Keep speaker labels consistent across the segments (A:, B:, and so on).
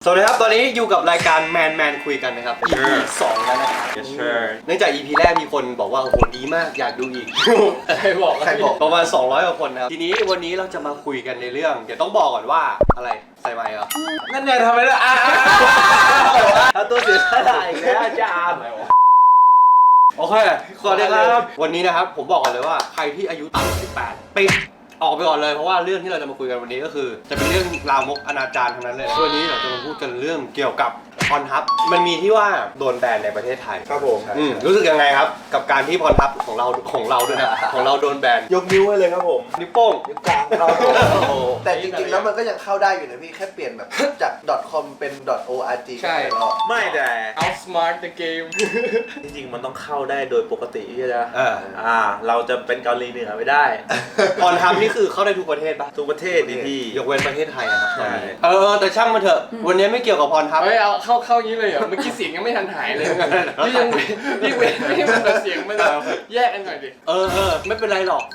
A: สวัสดีครับตอนนี้อยู่กับรายการแมนคุยกันนะครับ EP 2แล้วนะครับ เนื่องจาก EP แรกมีคนบอกว่าโอ้โหดีมากอยากดูอีก
B: ใครบอก
A: ประมาณ200กว่าคนนะครับทีนี้วันนี้เราจะมาคุยกันในเรื่องเดี๋ยวต้องบอกก่อนว่าอะไรใส่ไมค์เหรอ
B: นั่นไงทำไมล่ะ
A: เอาตัวเสียสละอีกแล้วอาจารย์โอเคสวัสดีครับวันนี้นะครับผมบอกก่อนเลยว่าใครที่อายุต่ำกว่า18ปิดออกไปก่อนเลยเพราะว่าเรื่องที่เราจะมาคุยกันวันนี้ก็คือจะเป็นเรื่องลามกอนาจารทั้งนั้นเลยวันนี้เราจะมาพูดกันเรื่องเกี่ยวกับพรทับมันมีที่ว่าโดนแบนในประเทศไทย
B: ครับผม
A: รู้สึกยังไงครับกับการที่พรทับของเราด้วยนะของเราโดนแบน
B: ยกนิ้วให้เลยครับผม
A: นิ้วโป้ง
C: นิ้วกลางเราแต่จริงๆแล้วมันก็ยังเข้าได้อยู่นะพี่แค่เปลี่ยนแบบจาก .com เป็น .org
B: ใช่
D: ไม่แต่
B: outsmart the game
D: จริงๆมันต้องเข้าได้โดยปกติใช่ไหมเราจะเป็นเกาหลีเหนือไม่ได้
A: พรทับนี่คือเข้าได้ทุกประเทศปะ
D: ทุกประเทศดิพี่
A: ยกเว้นประเทศไทยนะครับตอนนี้แต่ช่างมันเถอะวันนี้ไม่เกี่ยวกับพรทับ
B: เฮ้ยเอาเข้าอย่างนี้เลยเหรอเมื่อกี้เสียงยังไม่ทันหายเลยนี่ยังนี่เว้นไม่ให้มันเสียงมันแยกกันหน่อยดิ
A: ไม่เป็นไรหรอก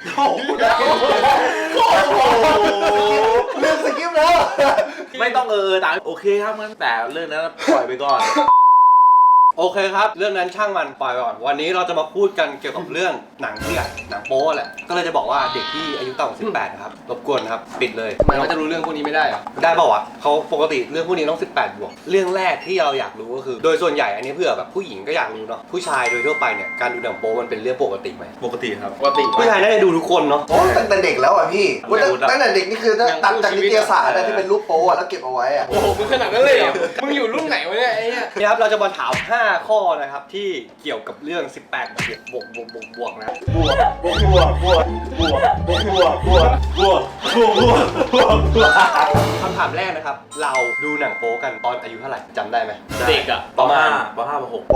C: เรื่องสกิปแล้ว
D: ไม่ต้องตามโอเคครับงั้นแต่เรื่องนั้นปล่อยไปก่อน
A: โอเคครับเรื่องนั้นช่างมันปล่อยก่อนวันนี้เราจะมาพูดกันเกี่ยวกับเรื่องหนังเถื่อนหนังโป๊แหละก็เลยจะบอกว่าเด็กที่อายุต่ำกว่า18นะครับรบกวนครับปิดเลย
B: ทำไมเขาจะรู้เรื่องพวกนี้ไม่ได้อะ
A: ได้ป่าวะเขาปกติเรื่องพวกนี้ต้อง18บวกเรื่องแรกที่เราอยากรู้ก็คือโดยส่วนใหญ่อันนี้เผื่อแบบผู้หญิงก็อยากรู้เนาะผู้ชายโดยทั่วไปเนี่ยการดูหนังโป๊มันเป็นเรื่องปกติไหม
D: ปกติครับ
B: ปกติ
A: ผู้ชายน่าจะดูทุกคนเนาะ
C: โอ้ตั้งแต่เด็กแล้วอ่ะพี่ตั้งแต่เด็กนี่คือตัดจากนิตยสารที่เป็นรูปโป๊แล้วเก็บเอาไว้อ่ะ
B: โอ้โหมึงขนาดนั้นเลยเหรอมึงอยู่รุ่นไหนวะเนี่ยไอ้เนี่ย
A: นี่ครับเราจะมาถาม5ข้อนะครับที่เกี่ยวกับเรื่อง18บวกนะ
D: บวก
A: คำถามแรกนะครับเราดูหนังโป๊กันตอนอายุเท่าไหร่จำได้ไหม
B: เด็กอะ
A: ประมาณ
D: ป.5 ป.6
C: ป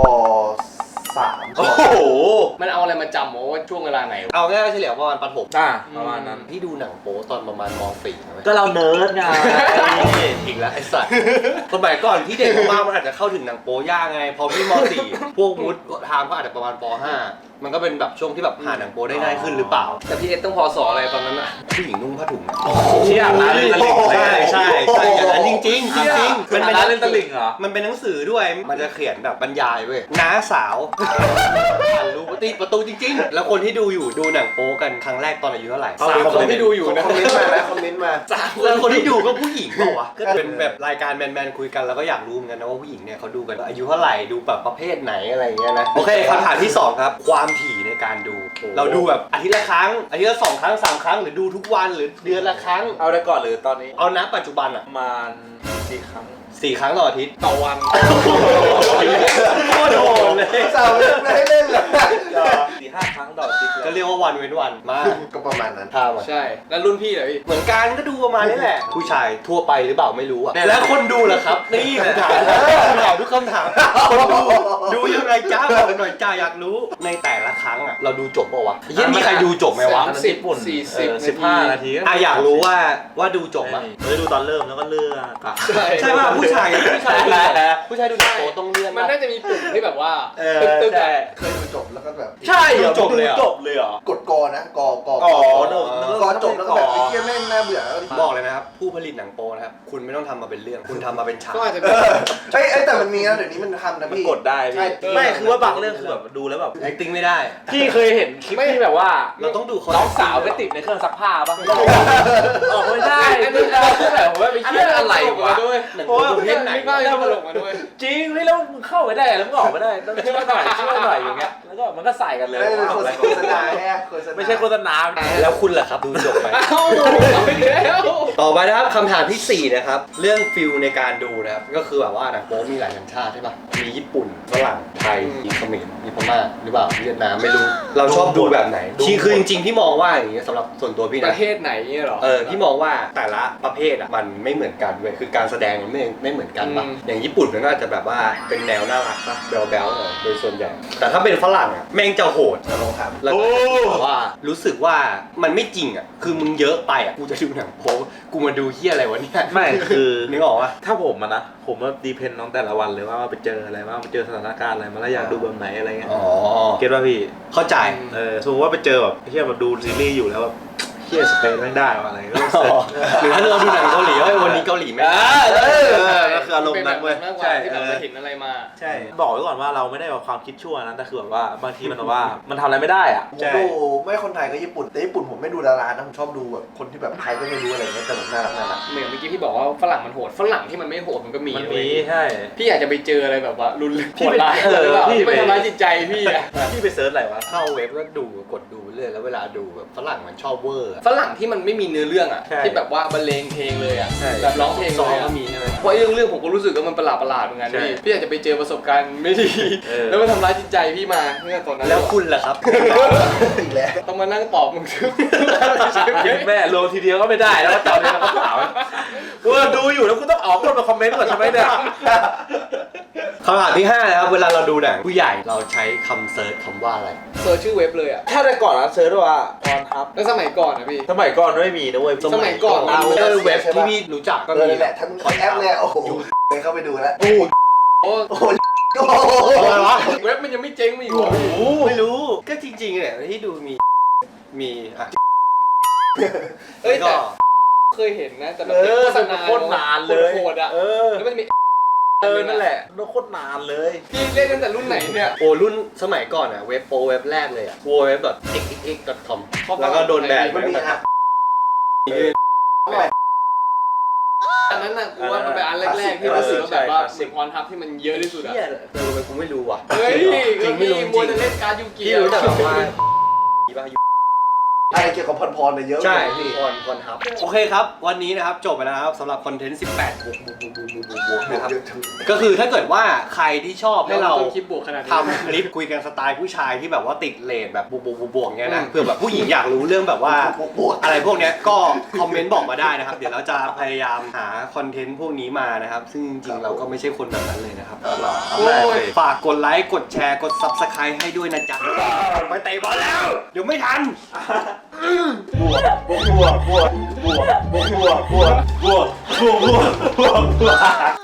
C: .3
D: โอ้โห
B: มันเอาอะไรมาจำว่าช่วงเวลาไหน
A: เอาง่ายๆเฉลี่ยประมาณประถม
D: ประมาณนั้น
A: ที่ดูหนังโป๊ตอนประมาณม.4
D: ก็เราเนิร์ดไง
A: อีกแล้วไอ้สัตว์สมัยก่อนที่เด็กมากมันอาจจะเข้าถึงหนังโป๊ยากไงพอพี่ม.4 พวกมุดทามก็อาจจะประมาณป.5มันก็เป็นแบบช่วงที่แบบหาหนังโป๊ได้ง่ายขึ้นหรือเปล่า
B: แต่พี่เอสต้องพอสออะไรตอนนั้นอะ
A: ผู้หญิงนุ่งผ้าถุง
D: เชี่ยร้านเล่นตลิ่ง
A: ใช่อย่างนั้นจริง
D: มันเป็นร้านเล่นตลิ่งเหรอ
A: มันเป็นหนังสือด้วยมันจะเขียนแบบบรรยายเว้ยน้าสาวรู้ประตูจริงๆแล้วคนที่ดูอยู่ดูหนังโป๊กันครั้งแรกตอนอายุเท่าไหร่
B: 3 คนที่ดูอยู่นะ
C: คอมเมนต์มาแล้วคอมเมนต์มา
A: แล้วคนที่ดูก็ผู้หญิงเปล่าวะก็เป็นแบบรายการแมนคุยกันแล้วก็อยากรู้เหมือนกันนะว่าผู้หญิงเนี่ยเขาดูกันอายุเท่าไหร่ดูแบบประเภทไหนอะไรเงี้ยนะโอเคคำถามที่2ครับความถี่ในการดูเราดูแบบอาทิตย์ละครั้งอาทิตย์ละ2 ครั้ง3 ครั้งหรือดูทุกวันหรือเดือนละครั้ง
D: เอาได้ก่อนหรือตอนนี้
A: เอาณปัจจุบันอะ
D: ประมาณ4 ครั้ง
A: ต่ออาทิตย์
B: ต่อวัน
A: โคตรโหดเลย
C: สาวไม่ให้เล่นเลย
D: 4-5 ครั้งต่ออาทิตย์
A: ก็เรียกว่าวันเว้นวันมาก
C: ก็ประมาณนั้น
B: ใช่แล้วรุ่นพี่เหรอพี่
A: เหมือนกันก็ดูประมาณนี้แหละผู้ชายทั่วไปหรือเปล่าไม่รู้อะแล้วคนดูล่ะครับนี่คำถามทุกคำถามคนดูยังไงจ้าบอกหน่อยจ้าอยากรู้ในแต่ละครั้งอะเราดูจบป่าวะยังมีใครดูจบไหมวะ
D: 15 นาที
A: อยากรู้ว่าดูจบมั้ย
D: ดูตอนเริ่มแล้วก็เลื่อน
A: ใช่ป่ะผู้ชายดูหนังโป๊ต้องเลื่อน
B: มันน่าจะมีปุ่มที่แบบว่าตึ๊ก
C: เคยดูจบแล้วก็แบบ
A: ใช่จบเลย
D: เหรอก
C: ดกอนะกอจบแล้วก็แบบไอ้เหี้ยแม่งน่าเบื่อ
A: บอกเลยนะครับผู้ผลิตหนังโป๊นะครับคุณไม่ต้องทำมาเป็นเรื่องคุณทำมาเป็นฉาก
B: ก็อาจจะ
C: แต่มันมีนะเดี๋ยวนี้มันทำนะพี่
D: กดได้ไม่คือว่าบางเรื่องคือแบบดูแล้วแบบ
A: acting ไม่ได้
D: พี่เคยเห็นคลิปที่แบบว่า
A: เราต้องดู
D: น้องสาวไปติดในเครื่องซักผ้าป่ะไม่ใช่อันนี้คือแบบว่าไปเชื่ออะไรวะ
B: เพราะว่าประเภทไหนก็ตลกมาด้วย
D: จริงแล้วมึงเข้าไปได้แล้วมึงออกไม่ได้ต้องช่วยหน่อยอย่างเงี้ยแล้วก็มันก็ใส่กันเลย
C: โฆษณา
D: ไม่ใช่โฆษณา
A: แล้วคุณล่ะครับดูจบไปต่อไปนะครับคำถามที่4นะครับเรื่องฟิลในการดูนะครับก็คือแบบว่าหนังโป๊มีหลายสัญชาติใช่ป่ะมีญี่ปุ่นฝรั่งไทยมีเขมรมีพม่าหรือเปล่าเวียดนามไม่รู้เราชอบดูแบบไหนคือจริงๆพี่มองว่าอย่างเงี้ยสำหรับส่วนตัวพี่นะ
B: ประเทศไหนเนี่ยหรอ
A: พี่มองว่าแต่ละประเภทอ่ะมันไม่เหมือนกันเว้ยคือการแสดงมันไม่เหมือนกันป่ะอย่างญี่ปุ่นมันก็อาจจะแบบว่าเป็นแนวน่ารักป่ะแบ๊วๆโดยส่วนใหญ่แต่ถ้าเป็นฝรั่งอ่ะแม่งจะโหด
C: ลองถาม
A: แล้วก็ว่ารู้สึกว่ามันไม่จริงอ่ะคือมึงเยอะไปอ่ะกูจะดูหนังโป๊กูมาดูเหี้ยอะไรวะเนี่ย
D: ไม่คือ
A: นึกออกป่ะ
D: ถ้าผมนะผมว่าดีเพนน้องแต่ละวันเลยว่าไปเจออะไรว่าไปเจอสถานการณ์อะไรมาแล้วอยากดูแบบไหนอะไรเงี้ยเก็ตว่าพี่
A: เข้าใจ
D: สมมติว่าไปเจอแบบเฮียแบบดูซีรีส์อยู่แล้วแบบ
E: เที่ยสเปนไม่ได้ว่ะอะไรก็เสิร์ช
A: หรือถ้าเราดูหนังเกาหลีว่าวันนี้เกาหลีไม่ได้
E: ก็คืออารมณ์นั้นเว้ย
B: มากกว่าที่แบบเราเห็นอะไรมา
E: ใช่บอกไว้ก่อนว่าเราไม่ได้แบบความคิดชั่วนะแต่คือแบบว่าบางทีมันแบบว่ามันทำอะไรไม่ได้อ่ะ
C: ผมดูไม่คนไทยก็ญี่ปุ่นแต่ญี่ปุ่นผมไม่ดูดารานะผมชอบดูแบบคนที่แบบไทยก็ไม่รู้อะไรเงี้ยแต่แบบน่ารัก
B: เหมือนเมื่อกี้ที่บอกว่าฝรั่งมันโหดฝรั่งที่มันไม่โหดมันก็มี
E: มัน
B: เว้
E: มี
B: ย
E: ใช่
B: พี่อยากจะไปเจออะไรแบบว่ารุนแรง
E: พี่
B: โหด
E: ไป
B: ร้าย
E: เออ
B: หรือเปล่า
E: พี่
B: ที่
E: ไป
B: ไปทำร้ายจิตใจพี่อะ
E: พี่ไปเซิร์ชอะไรวะ
A: เข้าเว็บก็ดูกดดูเรื่อยแล้วเวลาดูแบบฝรั่งมันชอบเวอร์อะ
B: ฝรั่งที่มันไม่มีเนื้อเรื่องอ่ะ
E: ใช่
B: ที่แบบว่าบรรเลงเพลงเลยอ่ะ
E: ใช่
B: แบบร้องเพลง
A: ซ
B: เล
A: อง
B: ย
A: ก็
B: อะ
A: มีใช่ไหม
B: เพราะเรื่องผมก็รู้สึกว่ามันประหลาดเหมือนกัน
E: ใช่
B: พี่อยากจะไปเจอประสบการณ์ไม่ดี
E: เออ
B: แล้วมันทำร้ายจิตใจพี่มาเมื่อตอนนั้น
A: แล้วคุณล่ะครับ
C: อีกแล้ว
B: ต้องมานั่งตอบมึงซึ่ง
E: แม่ลงทีเดียวก็ไม่ได้แล้วก็จำเนี่ยเราก็ถามว่าดูอยู่แล้วคุณต้องออกคนมาคอมเมนต์ก่อนใช่ไหมเนี่ย
A: คำถามที่5นะครับเวลาเราดูหนังผู้ใหญ่เราใช้คำเซิร์ชคำว่าอะไร
B: เซิร์ชชื่อเว็บเลยอ่ะ
E: ถ้าแต่ก่อนนะเซิร์ชว่าพรทับ
B: แล้วสมัยก่อนนะพี่
E: สมัยก่อนไม่มีนะเว้ย
B: สมัยก่อน
A: เราเว็บที่พี่รู้จักก็มี
C: แหละทั้งแอปเลยโอ้โหเลยเข้าไปดูแล้ว
B: โอ้
C: โอ้โห
A: อะไรวะ
B: เว็บมันยังไม่เจ๊งไม่อีกเหรอ
A: ไม่รู้ก็จริงๆเนี่ยที่ดูมีอ่ะ
B: เอ้ย
A: ก็
B: แต่เคยเห็นนะแต่แบบเป็นโฆษณา
E: โคตรนานเลย
B: โหดๆอ่ะ
E: เออ
B: แล้วมันจะมี
E: นั่นแหละโคตรนานเลย
B: พี่เล่นตั้งแต่รุ่นไหนเนี่ย
A: โอ้รุ่นสมัยก่อนอ่ะเว็บโปรเว็บแรกเลยอ่ะ www.xxx.com แล้วก็โดนแบน
C: มันมีอ่ะ
B: อันนั้นน่ะกูว่ามันเป็นอันแรกๆที่รู้สึกว่าแบบว่าเหมือนพรทับที่มันเยอะที่สุดอ่ะ
A: เฮียเลยกูไม่รู้ว่ะ
B: เฮ้ย
A: จริงไม่รู้จ
B: มัว
A: ริ
B: แต่
A: ง
B: เล่นการ์ดยูกิ
A: ที่รู้แต่แบบว่าอีบ้า
C: อะไรเกี่ยวกับพรเนี่ยเยอะ
A: ใช่
C: พี่
A: พรครับโอเคครับวันนี้นะครับจบไปแล้วนะครับสำหรับคอนเทนต์18บวกนะครับก็คือถ้าเกิดว่าใครที่ชอบให้เรา
B: ต้องคิดบวกขนาดนี้
A: ทำคลิปคุยกันสไตล์ผู้ชายที่แบบว่าติดเลทแบบบวกๆเงี้ยนะเพื่อแบบผู้หญิงอยากรู้เรื่องแบบว่า
C: บวก
A: อะไรพวกเนี้ยก็คอมเมนต์บอกมาได้นะครับ เดี๋ยวเราจะพยายามหาคอนเทนต์พวกนี้มานะครับ ซึ่งจริงๆเราก็ไม่ใช่คนแบบนั้นเลยนะครับ
B: โอ้ย
A: ฝากกดไลค์กดแชร์กด Subscribe ให้ด้วยนะจ๊ะไปเตะบอลแล้ว เดี๋ยวไม่ทัน
E: บวกบวกบวกบวกบวกบวกบวกบวกบวกบวก